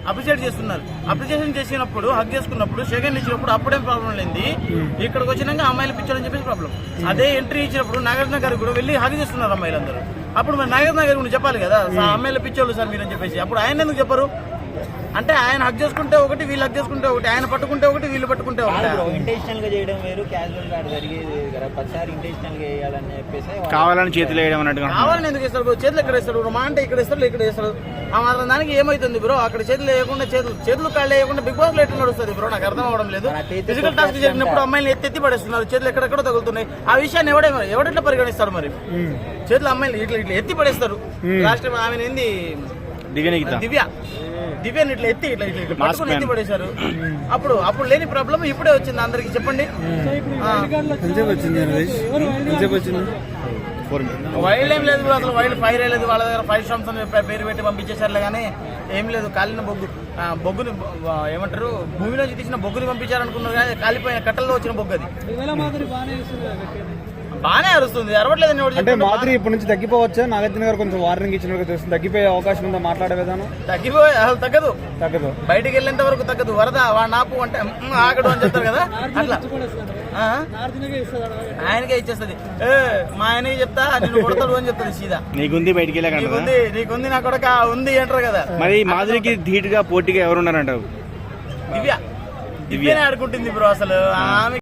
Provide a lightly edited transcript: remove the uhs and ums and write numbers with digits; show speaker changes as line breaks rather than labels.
Appreciate చేస్తున్నారు. Appreciation చేసినప్పుడు హక్ చేసుకున్నప్పుడు సెకండ్ ఇచ్చినప్పుడు అప్పుడేం ప్రాబ్లం లేదు. ఇక్కడికి వచ్చినాక అమ్మాయిలు పిచ్చారని చెప్పేసి ప్రాబ్లం. అదే ఎంట్రీ ఇచ్చినప్పుడు నాగార్జున గారు కూడా వెళ్ళి హక్ చేస్తున్నారు అమ్మాయిలందరూ. అప్పుడు మరి నాగార్జున గారు కూడా చెప్పాలి కదా అమ్మాయిల పిచ్చోళ్ళు సార్ మీరు అని చెప్పేసి. అప్పుడు ఆయన ఎందుకు చెప్పరు? అంటే ఆయన హక్ చేసుకుంటే ఒకటి, వీళ్ళు హక్ చేసుకుంటే ఒకటి, ఆయన పట్టుకుంటే ఒకటి, వీళ్ళు పట్టుకుంటే ఒకటి.
ఇంటెన్షనల్ గా చేయడం వేరు, క్యాజువల్ గా జరిగేది కదా. ప్రతిసారి ఇంటెన్షనల్ గా వేయాలని చెప్పేసి
కావాలని చేతులు వేయడం అన్నట్టుగా.
కావాలని ఎందుకు ఇస్తారు? చేతులు ఎక్కడ ఇస్తారు? మా అంటే ఇక్కడ ఇస్తారు, ఇక్కడ ఇస్తారు. ఆ మాత్రం దానికి ఏమైతుంది బ్రో? అక్కడ చేతులు వేయకుండా చేతులు కాళ్ళు వేయకుండా బిగ్ బాస్ లో ఎట్లా నడుస్తుంది బ్రో? నాకు అర్థం అవడం లేదు. ఫిజికల్ టాస్క్ జరిగినప్పుడు అమ్మాయిలు ఎత్తి పడేస్తున్నారు, చేతులు ఎక్కడెక్కడ తగులుతున్నాయి. ఆ విషయాన్ని ఎవడెట్లా పరిగణిస్తారు మరి? చేతులు అమ్మాయిలు ఇట్లా ఇట్లా ఎత్తి పడేస్తారు. లాస్ట్ టైం ఆమె ఏంది దివ్యాన్ని ఇట్లా ఎత్తి ఇట్లా ఇట్లా పట్టుకుని ఎత్తి పడేశారు. అప్పుడు లేని ప్రాబ్లం ఇప్పుడే వచ్చింది అందరికి. చెప్పండి, వైల్డ్ ఏం లేదు అసలు. వైల్డ్ ఫైర్ లేదు వాళ్ళ దగ్గర. 5 స్టామ్స్ అని పేరు పెట్టి పంపించేశారులే కానీ ఏం లేదు. కాలిన బొగ్గుని ఏమంటారు, భూమిలోంచి తీసిన బొగ్గుని పంపించారనుకున్నారు కానీ కాలిపోయిన కట్టల్లో వచ్చిన బొగ్గు అది. బానే అరుస్తుంది, అరవట్లేదు.
అంటే మాధురి ఇప్పటి నుంచి తగ్గిపోవచ్చా? నాగార్జున గారు కొంచెం వార్నింగ్ ఇచ్చినట్టు తెలుస్తుంది. తగ్గిపోయే అవకాశం ఉందా? మాట్లాడే విధానం
అసలు తగ్గదు. బయటికి వెళ్ళేంత వరకు తగ్గదు. వరద నాపు అంటే ఆగడు అని చెప్తారు కదా, అట్లా ఆయనకే ఇచ్చేస్తుంది. మా ఆయనకి చెప్తా నేను కొడతాడు అని చెప్తాడు సీదా.
నీకుంది బయటికి
నీకుంది నా కొడక ఉంది అంటారు కదా.
మరి మాధురికి ధీటుగా పోటీగా ఎవరున్నారంటారు?
దివ్యనే ఆడుకుంటుంది బ్రో అసలు. ఆమె